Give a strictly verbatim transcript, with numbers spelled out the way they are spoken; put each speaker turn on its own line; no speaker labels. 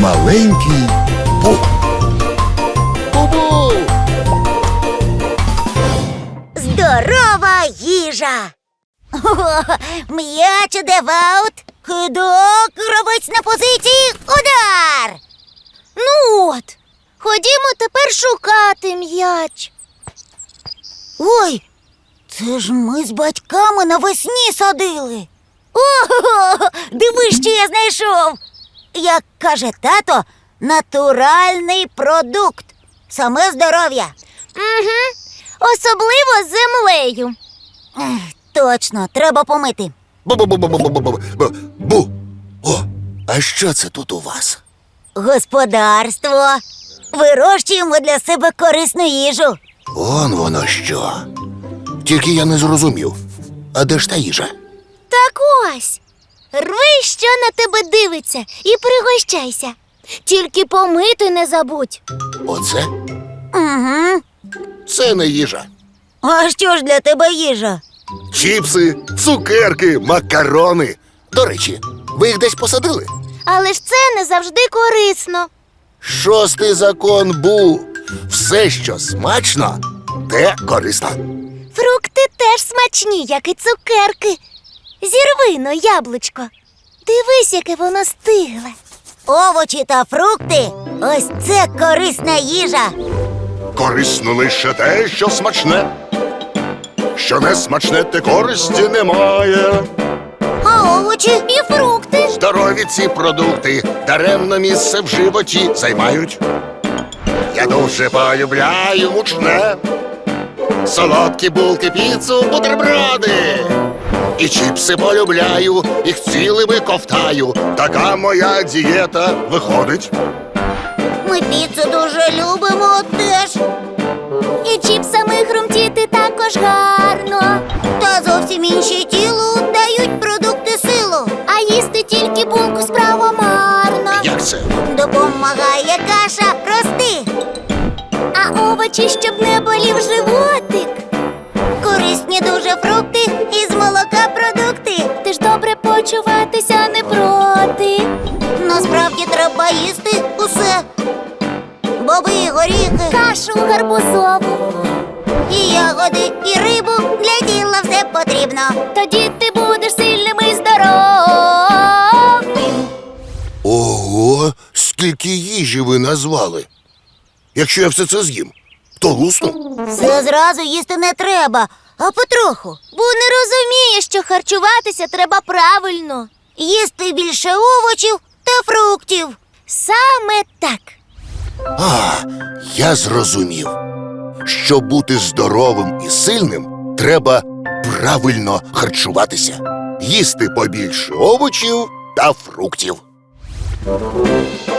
Маленький Бу.
Бу-бу!
Здорова їжа! О, м'яч іде в аут. Кидок, гравець на позиції, удар!
Ну от, ходімо тепер шукати м'яч.
Ой, це ж ми з батьками навесні садили. Ого, диви, що я знайшов. Як каже тато, натуральний продукт. Саме здоров'я.
Угу. Особливо з землею.
Ех, точно, треба помити.
Бу-бу-бу-бу-бу-бу-бу. Бу. О, а що це тут у вас?
Господарство. Вирощуємо для себе корисну їжу.
Он воно що. Тільки я не зрозумів. А де ж та їжа?
Так ось, рви, що на тебе дивиться, і пригощайся. Тільки помити не забудь.
Оце?
Угу.
Це не їжа.
А що ж для тебе їжа?
Чіпси, цукерки, макарони. До речі, ви їх десь посадили?
Але ж це не завжди корисно.
Шостий закон Бу. Все, що смачно, те корисно.
Фрукти теж смачні, як і цукерки. Зірви но яблучко. Дивись, яке воно стигле.
Овочі та фрукти – ось це корисна їжа.
Корисно лише те, що смачне. Що не смачне, те користі немає.
А овочі?
І фрукти.
Здорові ці продукти даремно місце в животі займають. Я дуже полюбляю мучне. Солодкі булки, піцу, бутерброди. І чіпси полюбляю, їх цілими ковтаю. Така моя дієта виходить.
Ми піцу дуже любимо теж.
І чіпсами хрумтіти також гарно.
Та зовсім інші тілу дають продукти силу.
А їсти тільки булку справа марно.
Як це?
Допомагає каша рости.
А овочі, щоб не болів животик.
Корисні дуже фрукти і з молока продукти.
Ти ж добре почуватися не проти.
Насправді треба їсти усе. Боби і горіхи,
Кашу гарбузову.
і ягоди, і рибу. Для тіла все потрібно.
Тоді ти будеш сильним і здоровим.
Ого, скільки їжі ви назвали. Якщо я все це з'їм, то лусну.
Все зразу їсти не треба, а потроху.
Бо не розуміє, що харчуватися треба правильно.
Їсти більше овочів та фруктів.
Саме так.
А, я зрозумів. Щоб бути здоровим і сильним, треба правильно харчуватися. Їсти побільше овочів та фруктів.